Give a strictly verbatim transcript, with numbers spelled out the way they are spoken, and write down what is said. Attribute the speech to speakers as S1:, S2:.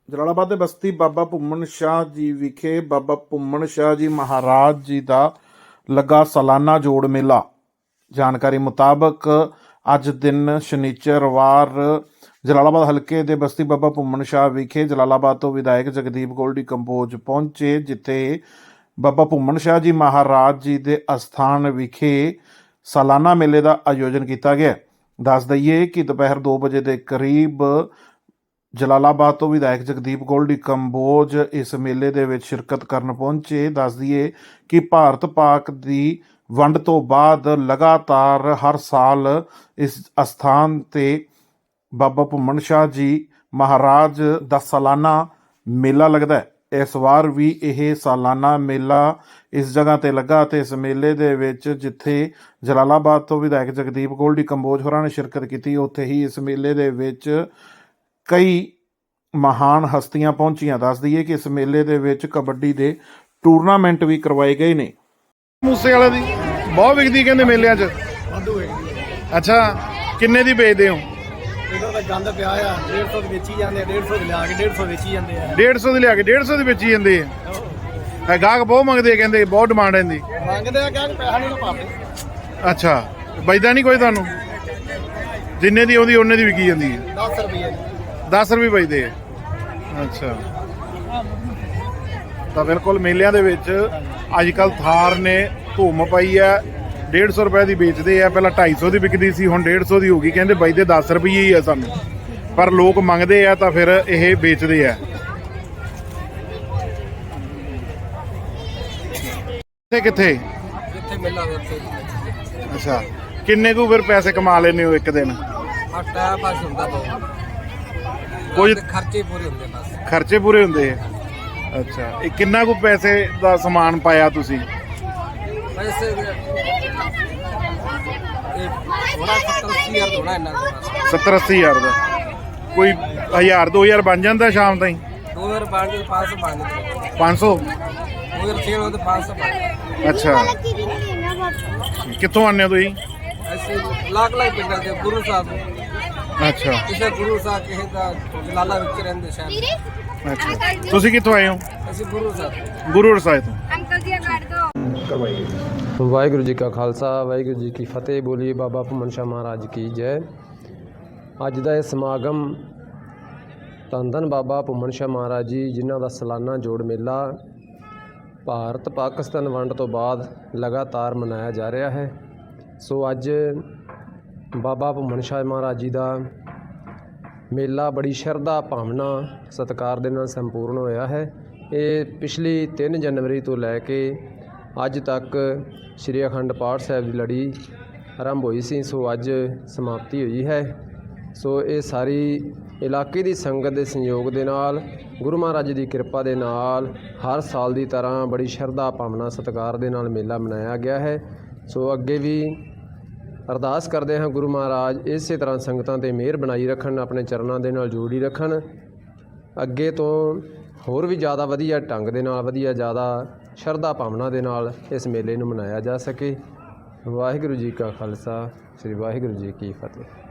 S1: ਜਲਾਲਾਬਾਦ ਦੇ ਬਸਤੀ ਬਾਬਾ ਭੁੰਮਣ ਸ਼ਾਹ ਜੀ ਵਿਖੇ ਬਾਬਾ ਭੁੰਮਣ ਸ਼ਾਹ ਜੀ ਮਹਾਰਾਜ ਜੀ ਦਾ ਲੱਗਾ ਸਾਲਾਨਾ ਜੋੜ ਮੇਲਾ। ਜਾਣਕਾਰੀ ਮੁਤਾਬਕ ਅੱਜ ਦਿਨ ਸ਼ਨੀਚਰਵਾਰ ਜਲਾਲਾਬਾਦ ਹਲਕੇ ਦੇ ਬਸਤੀ ਬਾਬਾ ਭੁੰਮਣ ਸ਼ਾਹ ਵਿਖੇ ਜਲਾਲਾਬਾਦ ਤੋਂ ਵਿਧਾਇਕ ਜਗਦੀਪ ਗੋਲਡੀ ਕੰਬੋਜ ਪਹੁੰਚੇ, ਜਿੱਥੇ ਬਾਬਾ ਭੁੰਮਣ ਸ਼ਾਹ ਜੀ ਮਹਾਰਾਜ ਜੀ ਦੇ ਅਸਥਾਨ ਵਿਖੇ ਸਾਲਾਨਾ ਮੇਲੇ ਦਾ ਆਯੋਜਨ ਕੀਤਾ ਗਿਆ। ਦੱਸ ਦਈਏ ਕਿ ਦੁਪਹਿਰ ਦੋ ਵਜੇ ਦੇ ਕਰੀਬ ਜਲਾਲਾਬਾਦ ਤੋਂ ਵਿਧਾਇਕ ਜਗਦੀਪ ਗੋਲਡੀ ਕੰਬੋਜ ਇਸ ਮੇਲੇ ਦੇ ਵਿੱਚ ਸ਼ਿਰਕਤ ਕਰਨ ਪਹੁੰਚੇ। ਦੱਸ ਦਈਏ ਕਿ ਭਾਰਤ ਪਾਕ ਦੀ ਵੰਡ ਤੋਂ ਬਾਅਦ ਲਗਾਤਾਰ ਹਰ ਸਾਲ ਇਸ ਅਸਥਾਨ ਤੇ ਬਾਬਾ ਭੁੰਮਣ ਸ਼ਾਹ ਜੀ ਮਹਾਰਾਜ ਦਾ ਸਾਲਾਨਾ ਮੇਲਾ ਲੱਗਦਾ ਹੈ। ਇਸ ਵਾਰ ਵੀ ਇਹ ਸਾਲਾਨਾ ਮੇਲਾ ਇਸ ਜਗ੍ਹਾ ਤੇ ਲੱਗਾ ਅਤੇ ਇਸ ਮੇਲੇ ਦੇ ਵਿੱਚ ਜਿੱਥੇ ਜਲਾਲਾਬਾਦ ਤੋਂ ਵਿਧਾਇਕ ਜਗਦੀਪ ਗੋਲਡੀ ਕੰਬੋਜ ਹੋਰਾਂ ਨੇ ਸ਼ਿਰਕਤ ਕੀਤੀ, ਉੱਥੇ ਹੀ ਇਸ ਮੇਲੇ ਦੇ ਵਿੱਚ ਕਈ ਮਹਾਨ ਹਸਤੀਆਂ ਪਹੁੰਚੀਆਂ। ਦੱਸ ਦਈਏ ਕਿ ਇਸ ਮੇਲੇ ਦੇ ਵਿੱਚ ਕਬੱਡੀ ਦੇ ਟੂਰਨਾਮੈਂਟ ਵੀ ਕਰਵਾਏ ਗਏ ਨੇ।
S2: ਮੂਸੇ ਵਾਲੇ ਦੀ ਬਹੁਤ ਵਿਕਦੀ ਕਹਿੰਦੇ ਮੇਲਿਆਂ 'ਚ। ਅੱਛਾ, ਕਿੰਨੇ ਦੀ ਵੇਚਦੇ ਹੋ?
S3: ਇਹਨਾਂ ਦਾ ਗੰਦ ਪਿਆ ਆ ਡੇਢ ਸੌ ਦੀ ਵੇਚੀ ਜਾਂਦੇ ਆ, ਡੇਢ ਸੌ ਦੀ ਲਿਆ ਕੇ ਡੇਢ ਸੌ ਵੇਚੀ ਜਾਂਦੇ ਆ।
S2: ਡੇਢ ਸੌ ਦੀ ਲਿਆ ਕੇ ਡੇਢ ਸੌ ਦੀ ਵੇਚੀ ਜਾਂਦੇ ਆ। ਇਹ ਗਾਹਕ ਬਹੁਤ ਮੰਗਦੇ ਆ, ਕਹਿੰਦੇ ਬਹੁਤ ਡਿਮਾਂਡ ਹੈ ਇਹਦੀ।
S3: ਮੰਗਦੇ ਆ ਕਿ ਪੈਸਾ ਨਹੀਂ ਪਾਉਂਦੇ।
S2: ਅੱਛਾ, ਬਚਦਾ ਨਹੀਂ ਕੋਈ ਤੁਹਾਨੂੰ? ਜਿੰਨੇ ਦੀ ਆਉਂਦੀ ਉਹਨੇ ਦੀ ਵਿਕੀ ਜਾਂਦੀ ਹੈ।
S3: ਦਸ ਰੁਪਏ
S2: ਦਸ ਰੁਪਏ ਬਚਦੇ ਆ। ਅੱਛਾ, ਤਾਂ ਬਿਲਕੁਲ ਮੇਲਿਆਂ ਦੇ ਵਿੱਚ ਅੱਜ ਕੱਲ੍ਹ ਥਾਰ ਨੇ ਧੂਮ ਪਾਈ ਹੈ। ਡੇਢ ਸੌ ਰੁਪਏ ਦੀ ਵੇਚਦੇ ਆ, ਪਹਿਲਾਂ ਢਾਈ ਸੌ ਦੀ ਵਿਕਦੀ ਸੀ, ਹੁਣ ਡੇਢ ਸੌ ਦੀ ਹੋ ਗਈ। ਕਹਿੰਦੇ ਬਚਦੇ ਦਸ ਰੁਪਏ ਹੀ ਆ ਸਾਨੂੰ, ਪਰ ਲੋਕ ਮੰਗਦੇ ਆ ਤਾਂ ਫਿਰ ਇਹ ਵੇਚਦੇ ਆ। ਕਿੱਥੇ ਕਿੱਥੇ
S3: ਜਿੱਥੇ ਮੇਲਾ ਉੱਥੇ।
S2: ਅੱਛਾ, ਕਿੰਨੇ ਕੁ ਫਿਰ ਪੈਸੇ ਕਮਾ ਲੈਂਦੇ ਹੋ ਇੱਕ ਦਿਨ?
S3: ਆ ਟਾਈਮ ਪਾਸ ਹੁੰਦਾ ਬਹੁਤ,
S2: ਕੁਝ
S3: ਖਰਚੇ ਪੂਰੇ ਹੁੰਦੇ ਬਸ।
S2: ਖਰਚੇ ਪੂਰੇ ਹੁੰਦੇ ਆ। ਅੱਛਾ, ਇਹ ਕਿੰਨਾ ਕੁ ਪੈਸੇ ਦਾ ਸਮਾਨ ਪਾਇਆ ਤੁਸੀਂ?
S3: ਵੈਸੇ ਇਹ ਥੋੜਾ ਸੱਤਰ ਅੱਸੀ ਹਜ਼ਾਰ ਹੋਣਾ ਇਹਨਾਂ ਦਾ।
S2: ਸੱਤਰ ਅੱਸੀ ਹਜ਼ਾਰ ਦਾ ਕੋਈ ਹਜ਼ਾਰ ਦੋ ਹਜ਼ਾਰ ਬਣ ਜਾਂਦਾ ਸ਼ਾਮ ਤਾਈਂ?
S3: ਦੋ ਹਜ਼ਾਰ ਬਣ ਕੇ ਪੰਜ ਸੌ ਬਣ ਜਾਂਦੇ।
S2: ਪੰਜ ਸੌ?
S3: ਦੋ ਹਜ਼ਾਰ ਛੇ ਹੋਏ ਤਾਂ ਪੰਜ ਸੌ ਬਣ।
S2: ਅੱਛਾ, ਕਿੱਥੋਂ ਆਉਂਦੇ ਹੋ ਤੁਸੀਂ?
S3: ਅਸੀਂ ਲੱਖ ਲੱਖ ਪਿੰਡਾਂ ਦੇ ਗੁਰੂ ਸਾਹਿਬ।
S2: ਅੱਛਾ
S3: ਕਿਸੇ ਗੁਰੂ ਸਾਹਿਬ ਕਿਸੇ ਦਾ ਜਲਾਲਾ ਵਿੱਚ ਰਹਿੰਦੇ ਸ਼ਾਇਦ।
S2: ਅੱਛਾ, ਤੁਸੀਂ ਕਿੱਥੋਂ ਆਏ ਹੋ?
S3: ਅਸੀਂ ਗੁਰੂ ਸਾਹਿਬ
S2: ਗੁਰੂ ਸਾਹਿਬ ਤੋਂ।
S4: ਅੰਕਲ ਜੀ ਕੱਢ ਦੋ।
S5: ਵਾਹਿਗੁਰੂ ਜੀ ਕਾ ਖਾਲਸਾ, ਵਾਹਿਗੁਰੂ ਜੀ ਕੀ ਫਤਿਹ। ਬੋਲੀਏ ਬਾਬਾ ਭੁੰਮਣ ਸ਼ਾਹ ਮਹਾਰਾਜ ਕੀ ਜੈ। ਅੱਜ ਦਾ ਇਹ ਸਮਾਗਮ ਧੰਨ ਧੰਨ ਬਾਬਾ ਭੁੰਮਣ ਸ਼ਾਹ ਮਹਾਰਾਜ ਜੀ, ਜਿਨ੍ਹਾਂ ਦਾ ਸਾਲਾਨਾ ਜੋੜ ਮੇਲਾ ਭਾਰਤ ਪਾਕਿਸਤਾਨ ਵੰਡ ਤੋਂ ਬਾਅਦ ਲਗਾਤਾਰ ਮਨਾਇਆ ਜਾ ਰਿਹਾ ਹੈ। ਸੋ ਅੱਜ ਬਾਬਾ ਭੁੰਮਣ ਸ਼ਾਹ ਮਹਾਰਾਜ ਜੀ ਦਾ ਮੇਲਾ ਬੜੀ ਸ਼ਰਧਾ ਭਾਵਨਾ ਸਤਿਕਾਰ ਦੇ ਨਾਲ ਸੰਪੂਰਨ ਹੋਇਆ ਹੈ। ਇਹ ਪਿਛਲੀ ਤਿੰਨ ਜਨਵਰੀ ਤੋਂ ਲੈ ਕੇ ਅੱਜ ਤੱਕ ਸ਼੍ਰੀ ਅਖੰਡ ਪਾਠ ਸਾਹਿਬ ਦੀ ਲੜੀ ਆਰੰਭ ਹੋਈ ਸੀ, ਸੋ ਅੱਜ ਸਮਾਪਤੀ ਹੋਈ ਹੈ। ਸੋ ਇਹ ਸਾਰੀ ਇਲਾਕੇ ਦੀ ਸੰਗਤ ਦੇ ਸੰਯੋਗ ਦੇ ਨਾਲ, ਗੁਰੂ ਮਹਾਰਾਜ ਦੀ ਕਿਰਪਾ ਦੇ ਨਾਲ ਹਰ ਸਾਲ ਦੀ ਤਰ੍ਹਾਂ ਬੜੀ ਸ਼ਰਧਾ ਭਾਵਨਾ ਸਤਿਕਾਰ ਦੇ ਨਾਲ ਮੇਲਾ ਮਨਾਇਆ ਗਿਆ ਹੈ। ਸੋ ਅੱਗੇ ਵੀ ਅਰਦਾਸ ਕਰਦੇ ਹਾਂ ਗੁਰੂ ਮਹਾਰਾਜ ਇਸੇ ਤਰ੍ਹਾਂ ਸੰਗਤਾਂ 'ਤੇ ਮਿਹਰ ਬਣਾਈ ਰੱਖਣ, ਆਪਣੇ ਚਰਨਾਂ ਦੇ ਨਾਲ ਜੋੜੀ ਰੱਖਣ। ਅੱਗੇ ਤੋਂ ਹੋਰ ਵੀ ਜ਼ਿਆਦਾ ਵਧੀਆ ਢੰਗ ਦੇ ਨਾਲ, ਵਧੀਆ ਜ਼ਿਆਦਾ ਸ਼ਰਧਾ ਭਾਵਨਾ ਦੇ ਨਾਲ ਇਸ ਮੇਲੇ ਨੂੰ ਮਨਾਇਆ ਜਾ ਸਕੇ। ਵਾਹਿਗੁਰੂ ਜੀ ਕਾ ਖਾਲਸਾ, ਸ੍ਰੀ ਵਾਹਿਗੁਰੂ ਜੀ ਕੀ ਫਤਿਹ।